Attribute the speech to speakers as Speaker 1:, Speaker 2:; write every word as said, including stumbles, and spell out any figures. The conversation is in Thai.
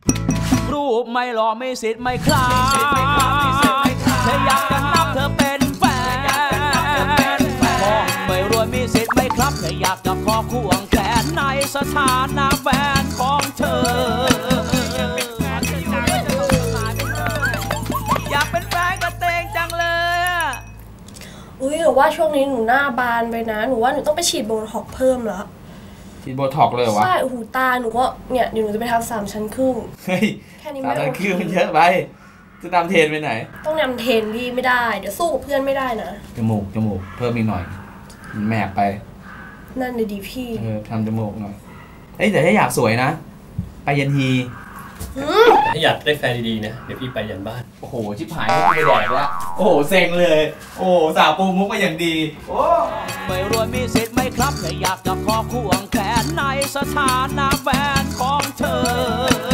Speaker 1: รูปไม่หล่อไม่สิทธิ์ไม่คลาเธออยากจะนับเธอเป็นแฟนมองไม่รวยมีสิทธิ์ไม่ครับเธออยากจะขอควงแขนในสถานะแฟนของเธออยากเป็นแฟนกับเตงจังเลย
Speaker 2: อุ้ยหนูว่าช่วงนี้หนูหน้าบานไปนะหนูว่าหนูต้องไปฉีดโบท็อกเพิ่มแล้ว
Speaker 3: ฉีดโบท็อกเลยวะ
Speaker 2: ใช่หูตาหนูก็เนี่ยเดี๋ยวหนูจะไปทำสามชั้นครึ่ง
Speaker 3: เฮ้ย
Speaker 2: แค่นี้
Speaker 3: ไม่ได้คือมันเยอะไปจะนำเทรนไปไหน
Speaker 2: ต้องนำเทรนพี่ไม่ได้เดี๋ยวสู้กับเพื่อนไม่ได้นะ
Speaker 3: จมูกจมูกเพิ่มอีกหน่อยมันแมกไป
Speaker 2: นั่นเลยดีพี่
Speaker 3: เออทำจมูกหน่อยเอ้ยแต่ถ้าอยากสวยนะไปยันฮี
Speaker 4: ถ้าอยากได้แฟนดีๆนะเดี๋ยวพี่ไปยันบ้าน
Speaker 3: โอ้โหชิบหายไม่แดกแล้วโอ้โหเซ็งเลยโอ้สาวปูมุกมาอย่างดีโอ้
Speaker 1: ไม่รวยมีสิทธิ์ไม่ครับแต่อยากจะขอควงแขนในสถานะแฟนของเธอ